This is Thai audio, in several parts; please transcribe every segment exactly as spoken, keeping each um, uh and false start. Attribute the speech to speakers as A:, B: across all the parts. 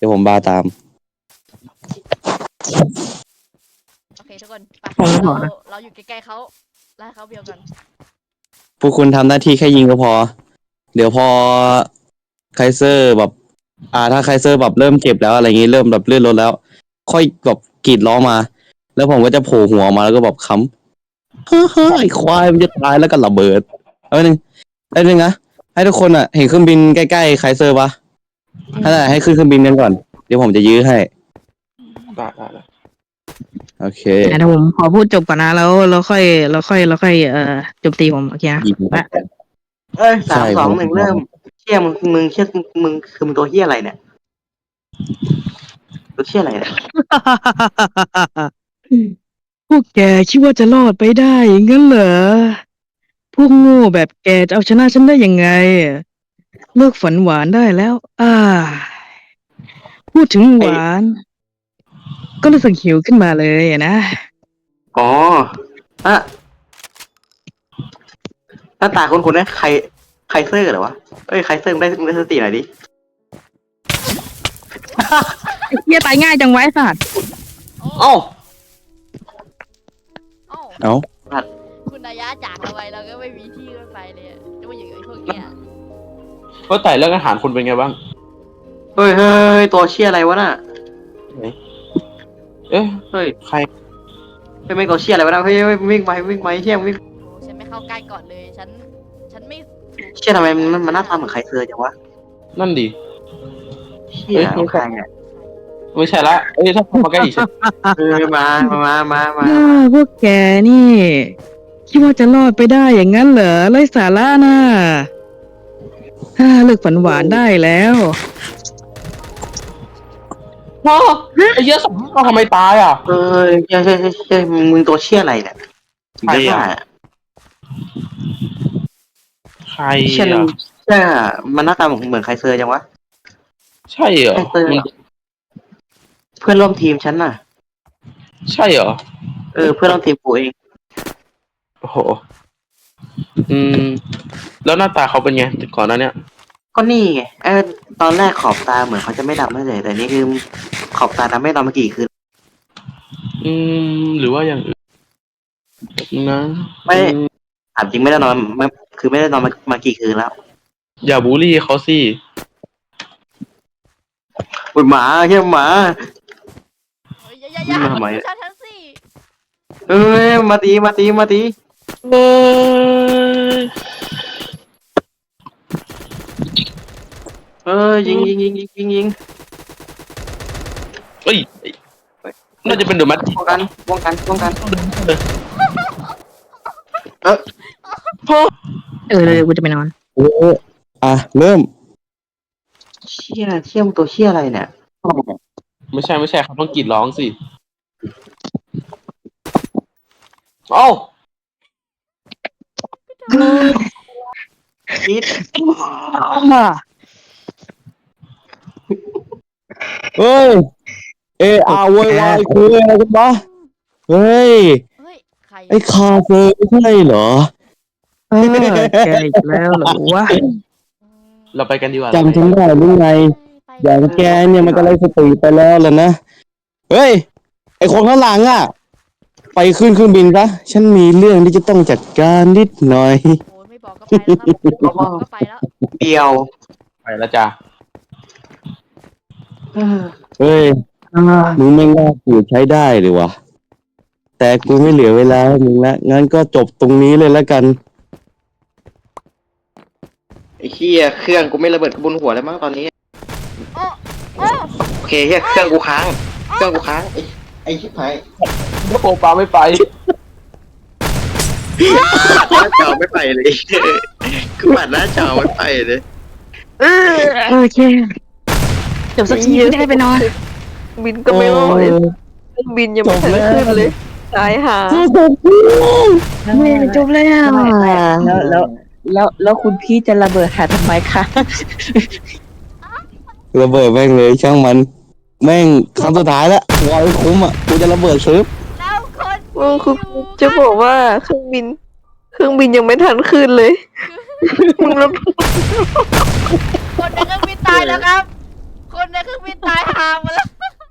A: ดี๋ยวผมบาตาม
B: โอเคทุกคนไปเราเราอยู่ใกล้ๆเขาไล่เขาเบียวกัน
A: พวกคุณทำหน้าที่แค่ยิงก็พอเดี๋ยวพอไคเซอร์แบบอ่าถ้าไคเซอร์แบบเริ่มเจ็บแล้วอะไรอย่างงี้เริ่มแบบเลื่อนรถแล้ว ค่อยแบบกรีดร้องมา แล้วผมก็จะโผล่หัวมาแล้วก็แบบค้ำเฮ้ยไอ้ควายมันจะตายแล้วก็ระเบิดเอาหนึ่งไอ้หนึ่งนะให้ทุกคนอ่ะเห็นเครื่องบินใกล้ๆไคเซอร์ปะให้ได้ให้ขึ้นเครื่องบินกันก่อนเดี๋ยวผมจะยื้อให้
C: ได้ได้ได้
A: โอเค
D: เดี๋ยวผมขอพูดจบก่อนนะแล้วเราค่อยเราค่อยเราค่อยเอ่อจบตีผมโอเคนะ
A: ยิง
D: และ
E: เอ้ยสามสองหนึ่งเริ่มเชี่ยมึงมึงเชี่ยมึงคือมึงตัวเฮียอะไรเนี่ยตัวเชี่ยอะไรเนี่ย
D: พวกแกคิดว่าจะรอดไปได้งั้นเหรอพวกโง่แบบแกจะเอาชนะฉันได้ยังไงเลิกฝันหวานได้แล้ว อ่า พูดถึงหวาน ก็รู้สึกหิวขึ้นมาเลยอะนะ
E: อ๋ออะหน้าตาคนคนนี้ใครใครเซอร์เหรอวะเอ้ยใครเซอร์มึงได้มึงได้สติหน่อยดิ
D: เฮียตายง่ายจังไว้สัตว์
E: เอ้า
B: เอ้า
A: เอ้า
B: คุณนายะจากเราไปเราก็ไม่มีที่ไปเลยจะมาอยู่กับไอ้พวกเนี้ย
C: ก็แต่เรื่องอาหารคุณเป็นไงบ้าง
E: เฮ้ยเฮ้ยตัวเชี่ยอะไรวะน่ะ
C: เอ๊ะ
E: เฮ้ย
C: ใคร
E: เฮ้ยไม่ตัวเชี่ยอะไรวะน่ะเฮ้ยเฮ้ยวิ่งไปวิ่งไปเชี่ยวิ่ง
B: โอ้ฉันไม่เข้าใกล้ก่อนเลยฉันฉันไม่
E: เชี่ยทำไมมันมันหน้าตาเหมือนใครเซอร์จังวะ
C: นั่นดิ
E: เชี่ยของใครอ่ะ
C: ไม่ใช่ละเอ้ยถ้าเข้ามาใกล้อีกฉัน
E: เออมามามามา
D: อ่าพวกแกนี่คิดว่าจะรอดไปได้อย่างนั้นเหรอไร้สาระน่ะอ่าเลิกฝันหวานได้แล้ว
C: พ่อไอ้เหี้ยสองเราทำไมตายอ่ะ
E: เออเชี่ยเชี่ยเชี่ยเชี่ยมึงมึงตัวเชี่ยอะไรเนี่ย
C: ใครอะ
E: บ้า
C: ใคร
E: เชี่ย
C: อ่ะ
E: เชี่ยมันหน้าตาเหมือนเหมือนใครเซอร์จังวะ
C: ใช่เหรอ
E: ใครเซอร์
C: มัน
E: เพื่อนร่วมทีมฉันน่ะ
C: ใช่เหรอ
E: เออเพื่อนร่วมทีมกูเอง
C: โอ้โหอืม แล้วหน้าตาเขาเป็นไงก่อนหน้าเนี้ย
E: ก็นี่ไงเออตอนแรกขอบตาเหมือนเขาจะไม่ดำไม่เลยแต่นี่คือขอบตาดำไม่ดำมากี่คืน
C: อืม หรือว่าอย่างอื่นนะ
E: ไม่
C: อืม
E: ถามจริงไม่ได้นอนไม่คือไม่ได้นอนมามากี่คืนแล้ว
C: อย่าบูลลี่เขาสิ
E: อุ้ยหมาเฮียหมา
B: เฮ้ยอย่าอย่าอย่า
E: ทำไม
B: ดูฉันฉันสิ
E: เอ้ยมาตีมาตีมาตี
C: เอ้ย
E: เออยิงยิงยิงยิงยิงยิง
C: เอ้ยน่าจะเป็นเดอะแมท
E: ป้องกันป้องกันป้องกัน
C: พ่อ
D: เออเลยกูจะไปนอน
A: โอ้อ่ะเริ่ม
E: เชี่ยเชี่ยมงตัวเชี่ยอะไรเนี่ย
C: ไม่ใช่ไม่ใช่เขาต้องกรีดร้องสิเอ้า
E: คิด
A: เฮ้ยเออาโวยวายคุยอะไรกันวะเฮ้ย
B: เฮ้ยใคร
A: ไอ้คาเฟ่ไม่ใช่เหรอ
D: เออแกอีกแล้วเหรอวะ
C: เราไปกันดีกว่า
A: จำฉันได้หรือไง
B: ไป
A: อย่างแกเนี่ยมันก็เลยสติไปแล้วล่ะนะ เฮ้ย ไอคนข้างหลังอ่ะ ไปขึ้นเครื่องบินซะฉันมีเรื่องที่จะต้องจัดการนิดหน่อย
B: โอ้ยไม่บอกก็ไปแล้วครับไม่บอกก็ไปแล้ว
E: เดียว
C: ไปแล้วจ้ะ
E: เออ
A: เฮ้ย
D: อ่า
A: มึงไม่ง่ากูใช้ได้เลยวะแต่กูไม่เหลือเวลาให้มึงละงั้นก็จบตรงนี้เลยละกัน
E: ไอ้เชี่ยเครื่องกูไม่ระเบิดกระบุนหัวแล้วมั้งตอนนี้
B: โอ้โอ้
E: โอเคเฮียเครื่องกูค้างเครื่องกูค้างไอ้ไอ้ชิบหาย
C: ถ้าโปปาไม่ไป
E: ปัดหน้าจอไม่ไปเลยคือปัดหน้าจอไม่ไปเลย
D: เออโอเคจบสักทีจะได้ไปนอน
F: บินก็ไม่รอดเครื่องบินยังไม่ทันขึ้นเลยตายหา
D: ไม่จบแล้ว
F: แล้วแล้วแล้วแล้วคุณพี่จะระเบิดหาทำไมคะ
A: ระเบิดแม่งเลยช่างมัน แม่งครั้งสุดท้ายแล้ววอยคุ้มอ่ะกูจะระเบิดซื้อ
B: แล้วคน
F: มึงคือจะบอกว่าเครื่องบิน เครื่องบินยังไม่ทันขึ้นเลย มึงระเบิด
B: คนในเครื่องบินตายแล้วครับ คคนในเครื่องบินตายห่าหมดแล้ว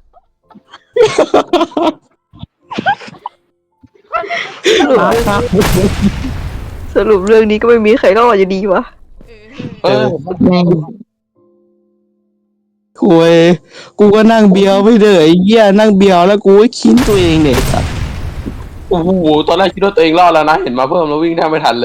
F: สรุปเรื่องนี้ก็ไม่มีใครรอดอยู่ดีวะ
B: เออ
C: เออ
A: คุยกูก็นั่งเบียวไม่เด้อไอ้เหี้ยนั่งเบียวแล้วกูก็คิดตัวเองเนี่ยสัตว์
C: โอ้โหตอนแรกคิดว่าตัวเองรอดแล้วนะ เห็นมาเพิ่มแล้ววิ่งแทบไม่ทันเลย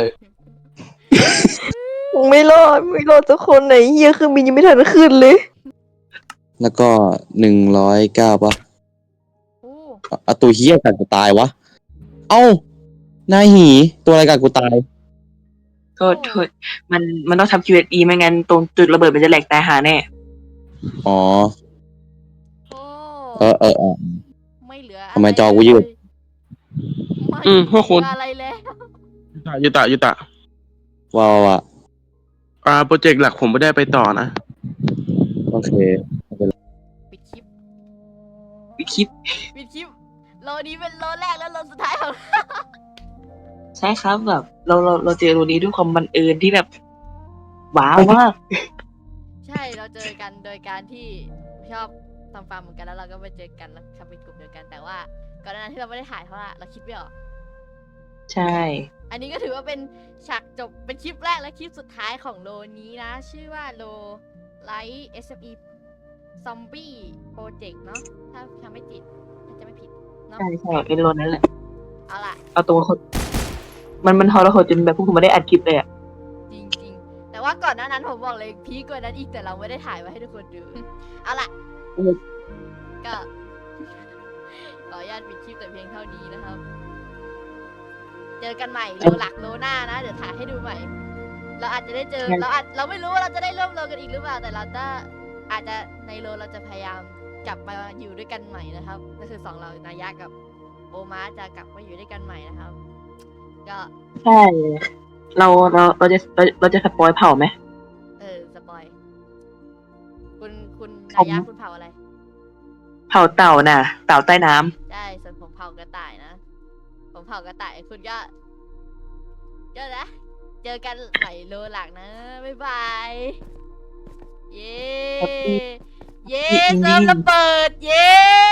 F: ไม่รอดไม่รอดสักคนไหนเฮียเครื่องบินยังไม่ทันขึ้นเลย
A: แล้วก็หนึ่งร้อยเก้าปะ
B: โอ้
A: เอาตัวเหี้ยกัดกูตายวะ เอ้านายหีตัวอะไรกัดกูตาย
D: โทษโทษมันมันต้องทำ คิว เอส อี ไม่งั้นตรงจุดระเบิดมันจะแหลกตายหาแน่
A: อ๋อ
B: โอ้
A: เออเออเออ
B: ไม่เหลือ
A: ทำไมจอกูยืด
B: ไม่
C: อืมพวกคุณ
B: เหลืออะไรแล้ว
C: ยุตะยุตะ
A: ว้าวว่ะ
C: อ่าโปรเจกต์หลักผมไม่ได้ไปต่อนะ
A: โอเค
B: ปิดคลิป
D: วิคิด
B: ปิดคลิปโลนี้เป็นโลแรกแล้วโลสุดท้ายของ
D: ใช่ครับแบบเราเราเราเจอโรนี้ด้วยความบังเอิญที่แบบ ว้าวมาก
B: ใช่เราเจอกันโดยการที่ชอบทำฟาร์มเหมือนกันแล้วเราก็ไปเจอกันแล้วทำเป็นกลุ่มเดียวกันแต่ว่าก่อนหน้านั้นที่เราไม่ได้ถ่ายเพราะว่าเราคิดไม่ออก
D: ใช่
B: อันนี้ก็ถือว่าเป็นฉากจบเป็นคลิปแรกและคลิปสุดท้ายของโลนี้นะ ชื่อว่าโลไลท์ เอส เอ็ม อี ซอมบี้โปรเจกต์เนาะถ้าทำไม่ผิดถ้าจะไม่ผิดเนาะ
D: ใช่ใช่เป็นโรนั้นแหละ
B: เอาล่ะ
D: เอาตัวคนมันมันทรหดจนแบบพวกผมไม่ได้อัดคลิปเลยอะ
B: จริงๆ แต่ว่าก่อนหน้านั้นผมบอกเลยพีคกว่านั้นอีกแต่เราไม่ได้ถ่ายไว้ให้ทุกคนดู เอาล่ะ ก็ ขออนุญาตปิดคลิปแต่เพียงเท่านี้นะครับ เจอกันใหม่โลหลักโลหน้านะ เดี๋ยวถ่ายให้ดูใหม่ เราอาจจะได้เจอเราอาจเราไม่รู้ว่าเราจะได้ร่วมโลกันอีกหรือเปล่าแต่เราจะอาจจะในโลเราจะพยายามกลับมาอยู่ด้วยกันใหม่นะครับนั่นคือสองเรานายะกับโอมาจะกลับมาอยู่ด้วยกันใหม่นะครับ ก็
D: ใช่เราเราเราจะเราเราจะสปอยเผ่าไหม
B: เออสปอยคุณคุณนายะคุณเผาอะไร
D: เผ่าเต่าน่ะ เต่าใต้น้ำ
B: ได้ส่วนผมเผากระต่ายนะ ผมเผากระต่ายคุณก็ก็นะ เจอกันใหม่โลหลักนะ บ๊ายบาย เย้ เย้เซิร์ฟระเบิด เย้